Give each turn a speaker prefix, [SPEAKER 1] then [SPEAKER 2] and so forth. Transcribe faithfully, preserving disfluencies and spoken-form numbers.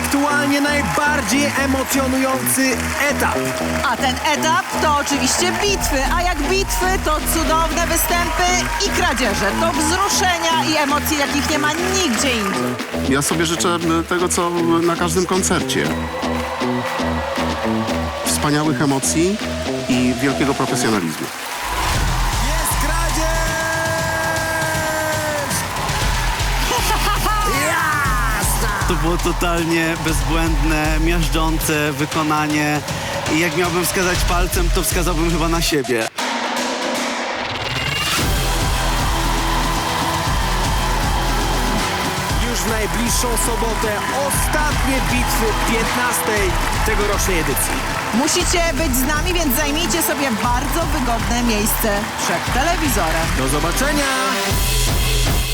[SPEAKER 1] aktualnie najbardziej emocjonujący etap.
[SPEAKER 2] A ten etap to oczywiście bitwy, a jak bitwy to cudowne występy i kradzieże. To wzruszenia i emocje, jakich nie ma nigdzie indziej.
[SPEAKER 3] Ja sobie życzę tego, co na każdym koncercie. Wspaniałych emocji i wielkiego profesjonalizmu.
[SPEAKER 1] Jest kradzież! Jasna!
[SPEAKER 4] To było totalnie bezbłędne, miażdżące wykonanie i jak miałbym wskazać palcem, to wskazałbym chyba na siebie.
[SPEAKER 1] Już w najbliższą sobotę ostatnie bitwy piętnastej tegorocznej edycji.
[SPEAKER 2] Musicie być z nami, więc zajmijcie sobie bardzo wygodne miejsce przed telewizorem.
[SPEAKER 1] Do zobaczenia!